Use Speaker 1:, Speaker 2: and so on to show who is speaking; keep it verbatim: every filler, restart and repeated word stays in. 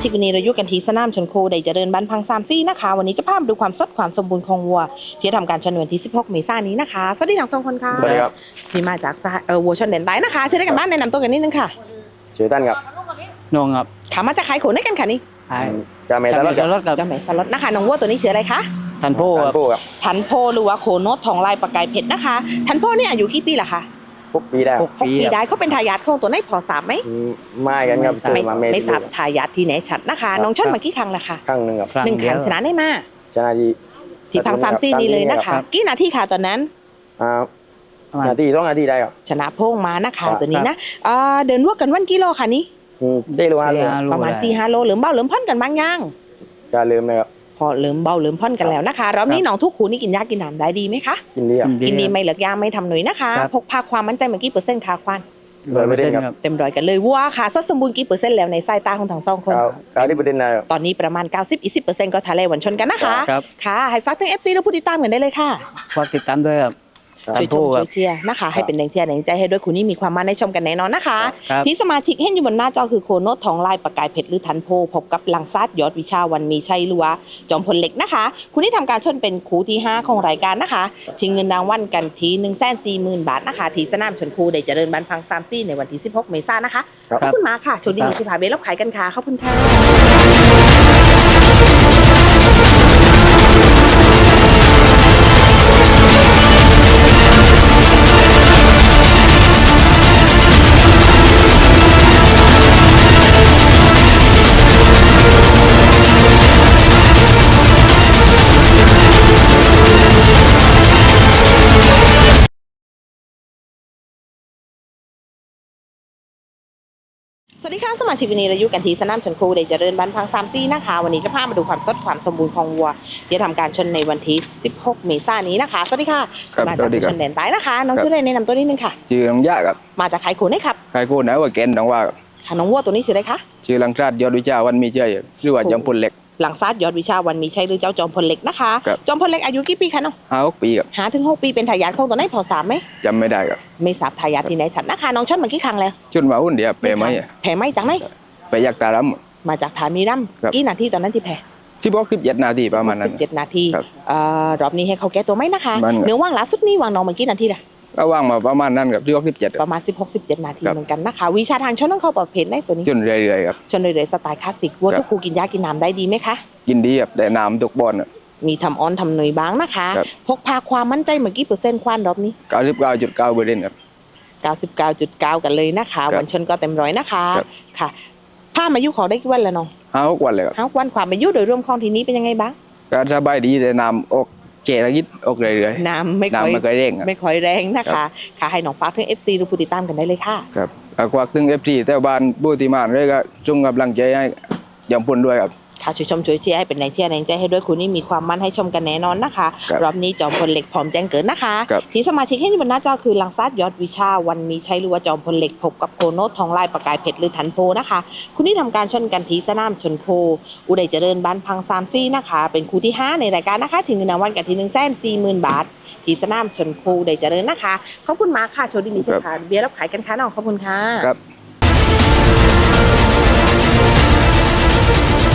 Speaker 1: ชิกวันนี้เราอยู่กันที่สนามชนโคได้เจริญบ้านพังซามซี่นะคะวันนี้จะพามาดูความสดความสมบูรณ์ของวัวที่ทำการชนวันที่สิบหกเมษายนนี้นะคะสวัสดีทั้งสองคนค่ะ
Speaker 2: สวัสดีครับ
Speaker 1: ที่มาจากเออวัวชนเด่นไดนะคะเชิญได้กันบ้านแนะนำตัวกันนิดนึงค่ะ
Speaker 2: ชื่อท่านครับ
Speaker 3: นงครับ
Speaker 1: ขามาจากขายขนได้กันค่ะนี่
Speaker 3: ไอ้
Speaker 2: จาเมตลอด
Speaker 3: จารถกับ
Speaker 1: เจ้าแม่สล็อตนะคะน้องวัวตัวนี้ชื่ออะไรคะ
Speaker 3: ทันโพ
Speaker 2: ท่า
Speaker 3: ครั
Speaker 2: น
Speaker 3: บ
Speaker 2: ผู้ครับ
Speaker 1: ทันโพหรือว่าโคโนตทองลายประกายเพชรนะคะทันโพนี่อายุกี่ปีล่ะคะ
Speaker 2: พวกปีได้
Speaker 3: หก
Speaker 1: หก
Speaker 3: ปี
Speaker 1: ปี
Speaker 3: ค
Speaker 1: ได้
Speaker 3: รับ
Speaker 1: เขาเป็นทายาทของตัวไหนพอทราบไหม
Speaker 2: อืมไม่กันครับซื้อ
Speaker 1: ไม่
Speaker 2: มาเมตร
Speaker 1: ไม่ทราบทายาทที่ไหนชัดนะคะน้องชนมากี่ครั้งละคะ
Speaker 2: ครั้งหนึ่งครับ
Speaker 1: หนึ่งครั้งชนะได้มา
Speaker 2: ชนะดี
Speaker 1: ที่พังซามซี่นี่เลยนะคะกี่นาทีค่ะตอนนั้น
Speaker 2: อ่า
Speaker 3: ประมาณ
Speaker 2: นาทีสองนาทีได้ครับ
Speaker 1: ชนะโพงมานะคะ
Speaker 2: ครับ
Speaker 1: ตัวนี้นะเอ่อเดินวัวกันวันกิโลค่ะนี้
Speaker 2: อืมได้รู้ฮะ
Speaker 3: สี่ห้าโล
Speaker 1: ประมาณ
Speaker 3: ได้
Speaker 1: สี่ห้าโลเหลือมเบาเหลือมพ่อนกันบางย่าง
Speaker 2: จะลืมเลยครับ
Speaker 1: พอเหลือมเบาเหลือมพ่อนกันแล้วนะคะรอบนี้น้องทุกขูนี่กินยากินน้ำได้ดีไหมคะ
Speaker 2: กินดีครับ
Speaker 1: กินดีไม่เหลือกยาไม่ทำหนุ่ยนะคะ
Speaker 3: ครับ
Speaker 1: พกพาความมั่นใจเมื่อกี้เปอร์เซ็นต์ค่ะควาน
Speaker 3: ร้อยเปอร์เซ็นต์ครับ
Speaker 1: เต็มร้อยกันเลยวัวค่ะสดสมบูรณ์กี่เปอร์เซ็นต์แล้วในสายตาของทั้งสองคน
Speaker 2: เก้าเก้าที่ประเด็นได้ครับ
Speaker 1: ตอนนี้ประมาณ เก้าสิบถึงยี่สิบเปอร์เซ็นต์ ก็ทะเลหวันชนกันนะคะ
Speaker 3: ครับ
Speaker 1: ค่ะให้ฝากถึง เอฟ ซี และผู้ติดตามกันได้เลยค่ะ
Speaker 3: ฝากติดตามด้วยครับ
Speaker 1: ช่วยชมช่วยเชียร์นะคะ ให้เป็นแรงเชียร์แรงใจให้ด้วยคุณนี่มีความมั่นในชมกันแน่นอนนะคะ
Speaker 3: ครับ
Speaker 1: ที่สมาชิกเห็นอยู่บนหน้าจอคือโคโนตทองลายประกายเพชรหรือทันโพพบกับลังซาดยอดวิชาวันมีชัยหรือว่าจอมพลเหล็กนะคะ คุณที่ทำการชนเป็นคู่ที่ห้าของรายการนะคะชิงเงินรางวัลกันที่หนึ่งแสนสี่หมื่นบาทนะคะที่สนามชนคูได้เจริญบันพังซามซี่ในวันที่สิบหกเมษายนนะคะขอบคุณมากค่ะโชคดีมีชิพาเบลรับขายกันค่ะขอบคุณค่ะสวัสดีค่ะสมาชิกวันนี้เราอยู่กันที่สนามชนโคได้เจริญบ้านพังซามซี่นะคะวันนี้จะพามาดูความสดความสมบูรณ์ของวัวที่จะทำการชนในวันที่สิบหกเมษายนนี้นะคะสวัสดีค่ะ
Speaker 4: ครับ
Speaker 1: มา
Speaker 4: ส
Speaker 1: จาก
Speaker 4: วัสดีครับ
Speaker 1: ชนแดนใต้นะคะน้องชื่ออะไรแนะนำตัวนิดนึงค่ะ
Speaker 4: ชื่อลังยะครับ
Speaker 1: มาจากขายโขนได้ครับ
Speaker 4: ใครโคนะว่าแกนดังว่าครับ
Speaker 1: ค่ะน้องวัวตัวนี้ชื่ออะไรคะ
Speaker 4: ชื่อลังชาติยอดวิชาวันมีเจยครับหรือว่าจอมพลเหล็ก
Speaker 1: หลังซาดยอดวิชาวันมีชัยหรือเจ้าจอมพลเหล็กนะคะ
Speaker 4: ครับ
Speaker 1: จอมพลเหล็กอายุกี่ปีคะน้อง
Speaker 4: ห้าหกปีครับ
Speaker 1: หาถึงหกปีเป็นทายาทของตัวไหนพอทราบไหม
Speaker 4: จำไม่ได้ครับ
Speaker 1: ไม่ทราบทายาทที่ไหนชัดนะคะน้องชนมากี่ครั้งแล้ว
Speaker 4: ชุดมาหุ่นเดียวเปรย์ไหมอะ
Speaker 1: แผ่ไหมจากไหน
Speaker 4: ไปยักตาลัม
Speaker 1: มาจากฐานมีรัม
Speaker 4: ครับ
Speaker 1: กี่นาทีตอนนั้นที่แผ่
Speaker 4: ที่บอกคลิปเจ็ดนาทีประมาณนั้น
Speaker 1: สิบเจ็ดนาที
Speaker 4: ครับ
Speaker 1: เอ่อรอบนี้ให้เขาแก้ตัวไหมนะคะ
Speaker 4: มันครับ
Speaker 1: เนื้อว่างล่าสุดนี้วางน้องมากี่นาทีล่ะ
Speaker 4: ก็ว่างมาประมาณนั้นครับที่บอกคลิปเจ็ด
Speaker 1: ประมาณ สิบหก สิบเจ็ด นาที
Speaker 4: ครับ
Speaker 1: เหมือนกันนะคะวิชาทางชนต้องเข้าประเภทได้ตัวนี้
Speaker 4: จนเรื่อยๆครับ
Speaker 1: ชนเลยๆสไตล์คลาสสิกวัว
Speaker 4: ครับ
Speaker 1: ทุกครูกินยากินน้ำได้ดีไหมคะ
Speaker 4: กินดีครับแต่น้ำตกบอล
Speaker 1: มีทำออนทำหน่วยบ้างนะคะ
Speaker 4: ครับ
Speaker 1: พกพาความมั่นใจเมื่อกี้เปอร์เซ็นต์ควานรอบนี้
Speaker 4: เก้าสิบเก้าจุดเก้าเปอร์เซ็นต์ครับ
Speaker 1: เก้าสิบเก้าจุดเก้า กันเลยนะคะ
Speaker 4: ครับ
Speaker 1: วันชนก็เต็มร้อยนะคะ
Speaker 4: ครับ
Speaker 1: ค่ะผ้ามายุขอได้กี่วันแล้วน้อง
Speaker 4: ห้าหกวันเลยครับ
Speaker 1: ห้าวันความมายุโดยรวมของทีนี้เป็นยังไงบ้าง
Speaker 4: ก็สบายดีแต่น้ำออกเจระยิดออกเรื่อย
Speaker 1: น้ำไม่
Speaker 4: ๆ
Speaker 1: ค่อย
Speaker 4: น้ำมันก็เร่งครับ
Speaker 1: ไม่ค่อยแรงนะ
Speaker 4: ครั
Speaker 1: คะ
Speaker 4: บ
Speaker 1: ค่ะให้น้องฝากถึง เอฟ ซี หรือผู้ติดตามกันได้เลยค่ะ
Speaker 4: ครับเอาควักถึงเอฟซีแต่บ้านบูติมานเลยก็จงกำลังใจให้ยอมพลด้วยครับ
Speaker 1: ค่ะช่วยชมช่วยเชียร์ให้เป็นแรงเชียร์แรงใจให้ด้วยคุณนี่มีความมั่นให้ชมกันแน่นอนนะคะ
Speaker 4: ครับ
Speaker 1: รอบนี้จอมพลเหล็กพร้อมแจ้งเกิดนะคะ
Speaker 4: ครับ
Speaker 1: ที่สมาชิกให้อยู่บนหน้าจอคือลังซาดยอดวิชาวันมีชัยหรือว่าจอมพลเหล็กพบกับโคโนตทองลายประกายเพชรหรือทันโพนะคะ คุณที่ทำการชนกันที่สนามชนโพอุดัยเจริญบ้านพังซามซี่นะคะ เป็นคู่ที่ห้าในรายการนะคะถึงเงินรางวัลกันที่หนึ่งแสนสี่หมื่นบาทที่สนามชนโพอุดัยเจริญนะคะขอบคุณมากค่ะโชคดีมีเช่นค่ะเบียร์รับขายกันค่ะน้องขอบคุณค่ะ
Speaker 4: ครับ